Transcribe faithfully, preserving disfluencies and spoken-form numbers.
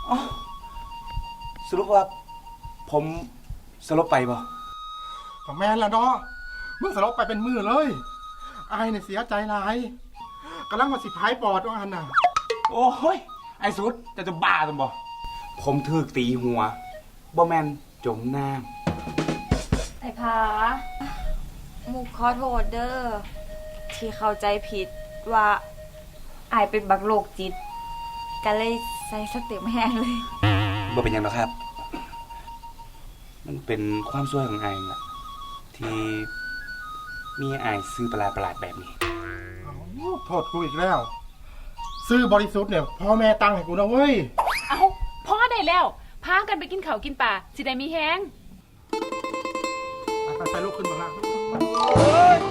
อ๋อสรุปว่าผมสลบไปบ่ก็แม่นละเนาะมึงสลบไปเป็นมือเลยอายเนี่ยเสียใจหลายกำลังมาสิพายปอดว่าอันน่ะโอ้ยไอ้สุดจะจะบ้าจังบ่ผมถูกตีหัวบ่แม่นจมน้ำไอ้ผามุกขอโทษเด้อที่เข้าใจผิดว่าอายเป็นบักโรคจิตก็เลยใส่สเต็มแห้งเลยบ่เป็นหยังหรอกครับ มันเป็นความช่วยของไอ้ล่ะที่มีไอ้ซื้อประหลาดประหลาดแบบนี้โทษกูอีกแล้วซื้อบริสุทธิ์เนี่ยพ่อแม่ตั้งให้กูนะเว้ยเอาพ่อได้แล้วพากันไปกินข้าวกินปลาสิได้มีแฮงไปไปลูกขึ้นมาละ